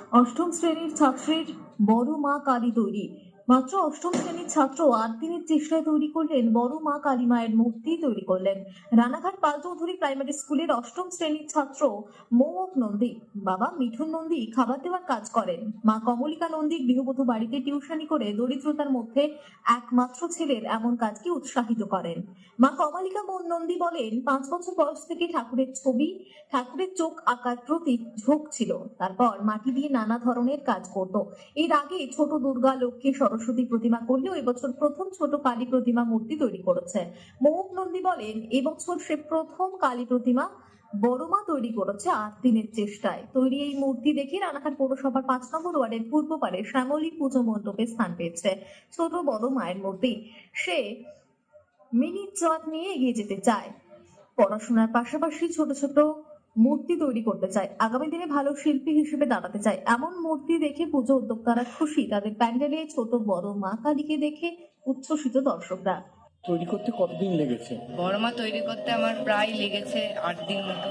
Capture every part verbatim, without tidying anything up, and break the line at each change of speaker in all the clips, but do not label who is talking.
অষ্টম শ্রেণীর ছাত্রের বড় মা কালী তৈরি। মাত্র অষ্টম শ্রেণীর ছাত্র আট দিনের চেষ্টায় তৈরি করলেন বড় মা কালী মায়ের মূর্তি তৈরি করলেন। রানাঘাট পালচৌধুরী প্রাইমারি স্কুলের অষ্টম শ্রেণীর ছাত্র মৌক নন্দী বাবা মিঠুন নন্দী খাবার দেওয়ার কাজ করেন। মা কমলিকা নন্দী গৃহবধূ বাড়িতে টিউশনি করে দরিদ্রতার মধ্যে একমাত্র ছেলের এমন কাজকে উৎসাহিত করেন। মা কমলিকা নন্দী বলেন, পাঁচ বছর বয়স থেকে ঠাকুরের ছবি, ঠাকুরের চোখ আঁকার প্রতি ঝোঁক ছিল। তারপর মাটি দিয়ে নানা ধরনের কাজ করত। এর আগে ছোট দুর্গা, লক্ষ্মী, সরস্বতী প্রতিমা করলেও এবছর প্রথম ছোট কালী প্রতিমা মূর্তি তৈরি করেছে। মৌক নন্দী বলেন, এবছর সে প্রথম কালী প্রতিমা বড় মা তৈরি করেছে আট দিনের চেষ্টায়। তৈরি এই মূর্তি দেখে রানাঘাট পৌরসভার পাঁচ নম্বর ওয়ার্ডের পূর্ব পারে শ্যামলী পুজো মণ্ডপে স্থান পেয়েছে ছোট বড় মায়ের মূর্তি। সে মিনি চাঁদ নিয়ে এগিয়ে যেতে চায়, পড়াশোনার পাশাপাশি ছোট ছোট মূর্তি তৈরি করতে চায়, আগামী দিনে ভালো শিল্পী হিসেবে দাঁড়াতে চায়। এমন মূর্তি দেখে পুজো উদ্যোক্তারা খুশি। তাদের প্যান্ডেলে ছোট বড় মা কালীকে দেখে উচ্ছ্বসিত দর্শকরা।
তৈরি করতে কতদিন লেগেছে?
বড় মা তৈরি করতে আমার প্রায় লেগেছে আট দিন মতো।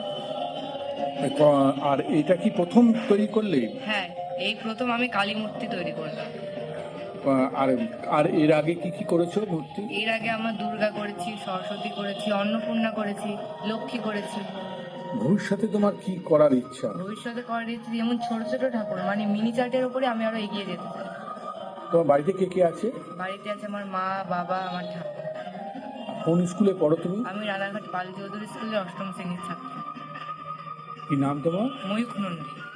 আর এটা কি প্রথম তৈরি করলে?
হ্যাঁ, এই প্রথম আমি কালী মূর্তি তৈরি করলাম।
আর আর এর আগে কি কি করেছো মূর্তি?
এর আগে আমার দুর্গা করেছি, সরস্বতী করেছি, অন্নপূর্ণা করেছি, লক্ষ্মী করেছি।
ভবিষ্যতে তোমার কি করার ইচ্ছা?
ভবিষ্যতে করার ইচ্ছে যেমন ছোট ছোট ঠাকুর, মানে মিনি চার্টের উপরে আমি আরো এগিয়ে যেতে চাই।
তোমার বাড়িতে কে কে আছে?
বাড়িতে আছে আমার মা, বাবা, আমার ঠাকুর।
কোন স্কুলে পড়ো তুমি?
আমি রানাঘাট পাল চৌধুরী স্কুলের অষ্টম শ্রেণীর ছাত্র।
কি নাম তোমার?
ময়ূখ নন্দী।